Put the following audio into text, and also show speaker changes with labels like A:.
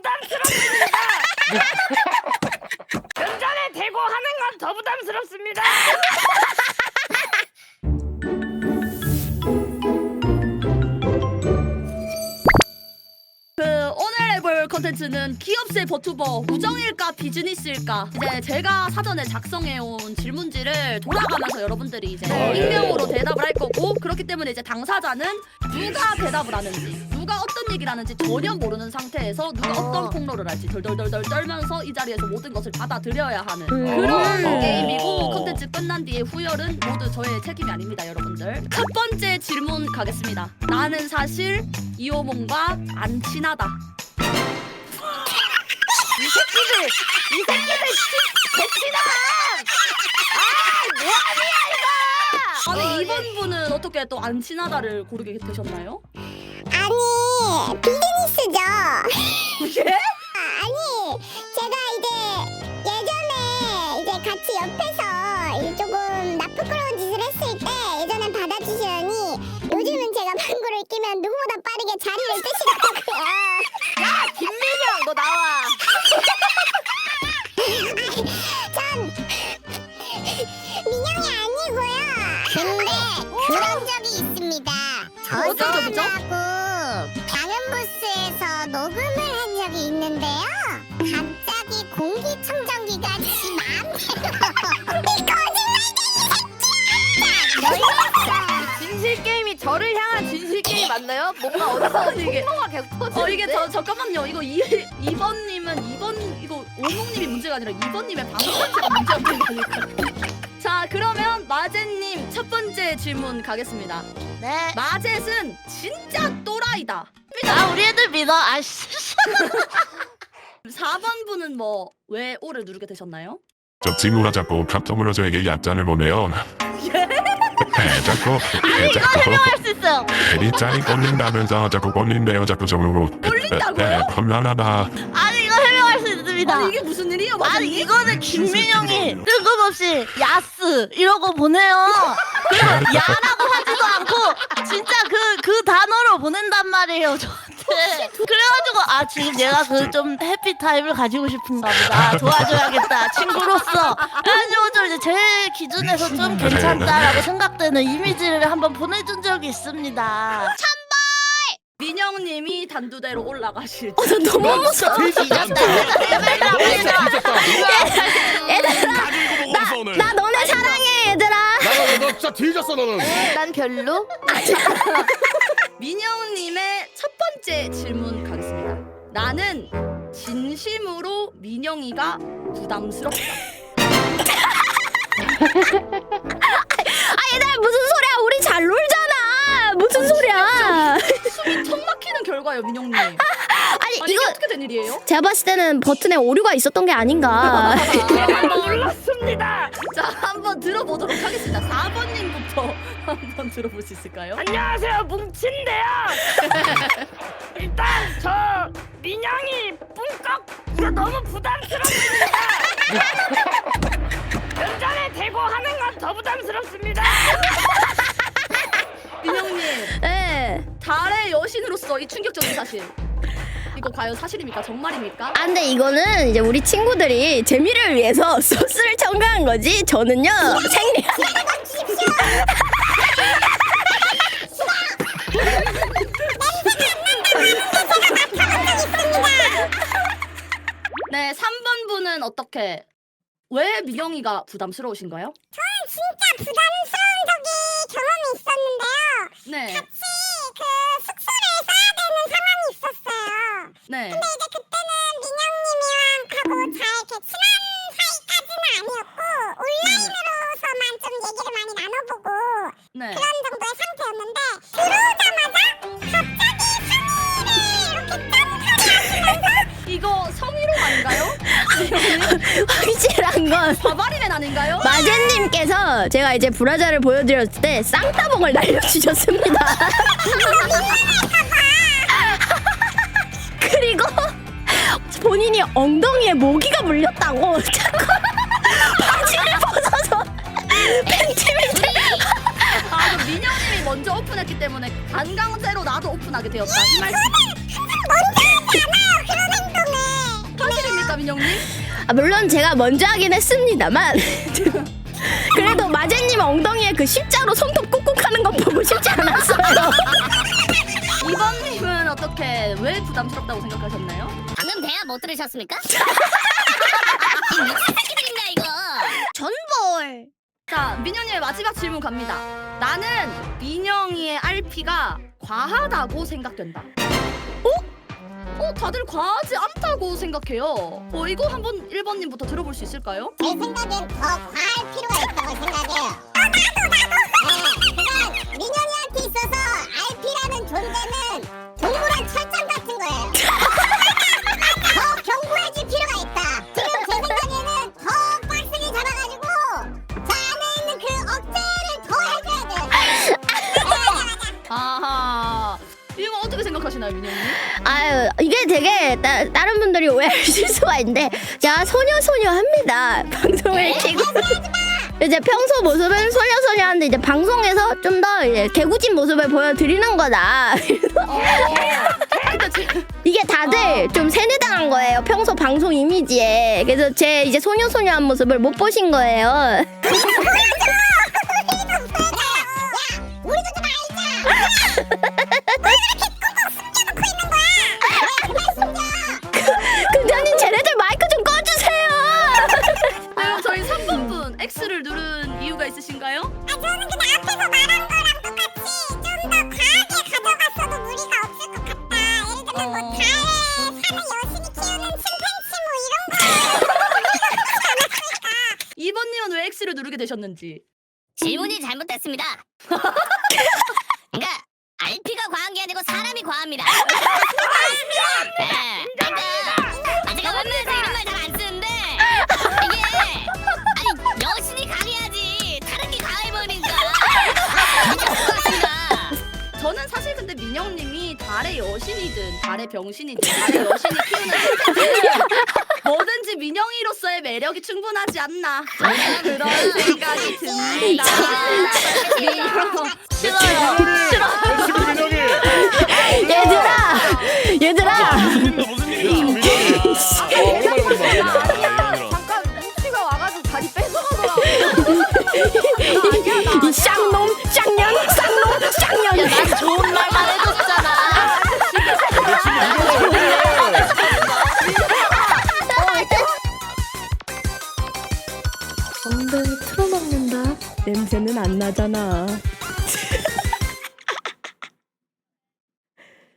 A: 부담스럽습니다. 면전에 대고 하는 건 더 부담스럽습니다.
B: 오늘 해볼 컨텐츠는 기업세 버튜버 우정일까 비즈니스일까. 이제 제가 사전에 작성해온 질문지를 돌아가면서 여러분들이 이제 익명으로 대답을 할 거고, 그렇기 때문에 이제 당사자는 누가 대답을 하는지, 누가 어떤 얘기를 하는지 전혀 모르는 상태에서 누가 어떤 폭로를 할지 덜덜덜덜 떨면서 이 자리에서 모든 것을 받아들여야 하는 그런 게임이고, 컨텐츠 끝난 뒤에 후열은 모두 저의 책임이 아닙니다, 여러분들. 첫 번째 질문 가겠습니다. 나는 사실 이호몽과 안 친하다. 이 새끼들 개친아! 뭐하냐 이거! 아니 이번 분은 어떻게 또 안 친하다를 고르게 되셨나요?
C: 아니 비즈니스죠.
B: 예?
C: 아니 제가 이제 예전에 이제 같이 옆에서 이 조금 나쁘끄러운 짓을 했을 때 예전엔 받아주시더니 요즘은 제가 방구를 끼면 누구보다 빠르게 자리를 뜨시더라고요.
B: 야 김민영 너 나와.
C: 전 민영이 아니고요. 근데 그런 적이 있습니다.
B: 어떤 적이죠?
C: 저하고 방음부스에서 녹음을 한 적이 있는데요. 갑자기 공기청정기가 지 마음대로 이 거짓말쟁이
A: 진실 게임이 저를 향한 진실 게임 맞나요? 뭔가 어디서
B: 이게
A: 폭로가 계속 터지는데?
B: 이게 잠깐만요. 이거 2번님은 이거 오목님이 문제가 아니라 2번님의 방송 자체가 문제였던 거니까. 자 그러면 마젯님 첫 번째 질문 가겠습니다.
D: 네.
B: 마젯은 진짜 또라이다.
D: 아 우리 애들 믿어. 아씨.
B: 4번 분은 뭐 왜 O를 누르게 되셨나요?
E: 저 친구가 자꾸 카톡으로 저에게 얕잔을 보내요. 자꾸
D: 할 수 있어요.
E: 대리짜리 꼴린다면서 자꾸 꼴린대요. 자꾸 저으로
B: 꼴린다고요?
E: 험난하다.
D: 아니 이거 해명할 수 있습니다.
B: 아니 이게 무슨 일이에요?
D: 아니
B: 마젯님?
D: 이거는 김민영이 뜬금없이 야스 이러고 보내요. 그리고 야라고 하지도 않고 진짜 그 단어로 보낸단 말이에요 저한테. 그래가지고 아 지금 얘가 그 좀 해피 타임을 가지고 싶은가 보다. 도와줘야겠다 친구로서. 그래가지고 좀 이제 제 기준에서 좀 괜찮다라고 생각되는 이미지를 한번 보내준 적이 있습니다.
B: 민영님이 단두대로 올라가실
D: 나 너무 무서워.
C: 나 너네 사랑해 얘들아.
F: 너 진짜 뒤졌어 너는.
D: 난 별로.
B: 민영님의 첫 번째 질문 가겠습니다. 나는 진심으로 민영이가 부담스럽다.
C: 얘들아 무슨 소리야? 우리 잘 놀잖아. 무슨 소리야?
B: 숨이 턱 막히는 결과예요, 민영님. 아니
C: 아니
B: 이게 어떻게 된 일이에요?
C: 제가 봤을 때는 버튼에 오류가 있었던 게 아닌가.
A: 몰랐습니다.
B: 자, 한번 들어보도록 하겠습니다. 4번님부터 한번 들어볼 수 있을까요?
A: 안녕하세요, 뭉친데요. 일단 저 민영이 뿡꺽 너무 부담스럽습니다. 면전에 대고 하는 건 더 부담스럽습니다.
B: 민영님,
C: 네.
B: 달의 여신으로서 이 충격적인 사실. 이거 과연 사실입니까? 정말입니까?
C: 아 근데 이거는 이제 우리 친구들이 재미를 위해서 소스를 첨가한 거지. 저는요 생리.
B: 네, 3번 분은 어떻게? 왜 민영이가 부담스러우신가요?
C: 진짜 부담스러운 적이 경험이 있었는데요.
B: 네,
C: 같이 그 숙소를 써야 되는 상황이 있었어요.
B: 네.
C: 근데 이제 그때는 민영님이랑하고 잘 이렇게 친한 사이까지는 아니었고 온라인으로서만 좀 얘기를 많이 나눠보고
B: 네.
C: 그런 정도의 상태였는데 들어오자마자 갑자기 상의를 이렇게 짠하면서
B: 이거 성희롱 아닌가요?
C: 확실한 건
B: 바바리맨 아닌가요?
C: 마젠님께서 제가 이제 브라자를 보여드렸을 때 쌍따봉을 날려주셨습니다. 그리고 본인이 엉덩이에 모기가 물렸다고 자꾸 바지를 벗어서 팬티를
B: 아, 그럼 민영님이 먼저 오픈했기 때문에 반강제로 나도 오픈하게 되었다. 이 말씀.
C: 먼저 하지 않아요 그런 행동을.
B: 민영님?
F: 아, 물론 제가 먼저 하긴 했습니다만 그래도 마제님 엉덩이에 그 십자로 손톱 꾹꾹 하는 거 보고 싶지 않았어요.
B: 2번님은 어떻게 왜 부담스럽다고 생각하셨나요?
C: 방금 대화 못 들으셨습니까? 이 미친 새끼들인가 이거.
F: 전볼.
B: 자, 민영님의 마지막 질문 갑니다. 나는 민영이의 RP가 과하다고 생각된다. 다들 과하지 않다고 생각해요. 이거 한번 1번님부터 들어볼 수 있을까요?
C: 제 생각엔 더 과할 필요가 있다고 생각해요. 나도. 그건 민영이한테 있어서 RP라는 존재는 동물원 철장 같은 거예요. 더 견고해질 필요가 있다. 지금 제 생각에는 더 빡세게 잡아가지고 저 안에 있는 그 억제를 더 해줘야 돼요.
B: 아하. 이거 어떻게 생각하시나요, 민영님?
F: 아유 이게 되게 다른 분들이 오해하실 수가 있는데 제가 소녀소녀합니다. 방송을 키고 이제 평소 모습은 소녀소녀한데 이제 방송에서 좀 더 개구진 모습을 보여드리는 거다. 이게 다들 좀 세뇌당한 거예요. 평소 방송 이미지에. 그래서 제 이제 소녀소녀한 모습을 못 보신 거예요.
C: 우리도 좀 알자.
F: 근데님 쟤네들 마이크 좀 꺼주세요.
B: 그럼 저희 3번분 X를 누른 이유가 있으신가요?
C: 저는 근데 앞에서 말한 거랑 똑같이 좀 더 과하게 가져갔어도 무리가 없을 것 같다. 예를 들면 뭐 달에 사는 여신이 키우는 침팬치 뭐 이런 거.
B: 2번님은 왜 X를 누르게 되셨는지.
C: 질문이 잘못됐습니다. 그러니까 RP가 과한 게 아니고 사람이 과합니다. 네, 그러니까 제가 웬만해서 이런 말 잘 안 쓰는데 이게 아니 여신이 강해야지 다른 게 강해버리니까
B: 저는 사실 근데 민영님이 달의 여신이든 달의 병신이든 달의 여신이 키우는 칠팬치든 뭐든지 민영이로서의 매력이 충분하지 않나 저는 그런 생각이 듭니다.
D: 싫어요.
F: 얘들아
G: 무슨 일이야?
A: 잠깐 뭉치가 와가지고 다리 뺏어가더라고.
F: 이 쌍놈 쌍년 쌍놈 쌍년.
D: 난 좋은 말만 해줬잖아.
F: 엉덩이 틀어먹는다. 냄새는 안 나잖아.